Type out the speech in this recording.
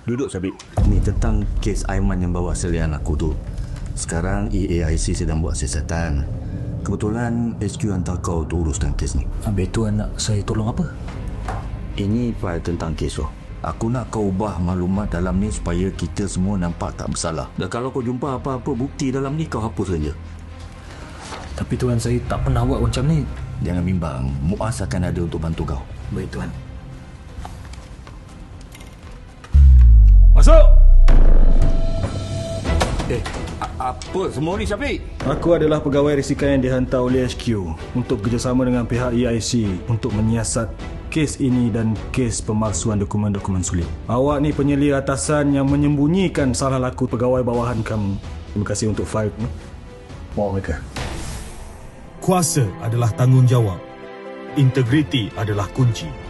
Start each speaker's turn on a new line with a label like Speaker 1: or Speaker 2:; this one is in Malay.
Speaker 1: Duduk, Syabib. Ni tentang kes Aiman yang bawa selian aku tu. Sekarang EAIC sedang buat siasatan. Kebetulan HQ hantar kau untuk uruskan kes ni.
Speaker 2: Habis tu nak saya tolong apa?
Speaker 1: Ini file tentang kes tu. Aku nak kau ubah maklumat dalam ni supaya kita semua nampak tak bersalah. Dan kalau kau jumpa apa-apa bukti dalam ni, kau hapus saja.
Speaker 2: Tapi Tuan, saya tak pernah buat macam ni.
Speaker 1: Jangan bimbang. Muaz akan ada untuk bantu kau.
Speaker 2: Baik Tuan. Masuk!
Speaker 1: Apa semua ni, Syafiq?
Speaker 3: Aku adalah pegawai risikan yang dihantar oleh HQ untuk kerjasama dengan pihak EIC untuk menyiasat kes ini dan kes pemalsuan dokumen-dokumen sulit. Awak ni penyelia atasan yang menyembunyikan salah laku pegawai bawahan kamu. Terima kasih untuk file. Bawa mereka.
Speaker 4: Kuasa adalah tanggungjawab. Integriti adalah kunci.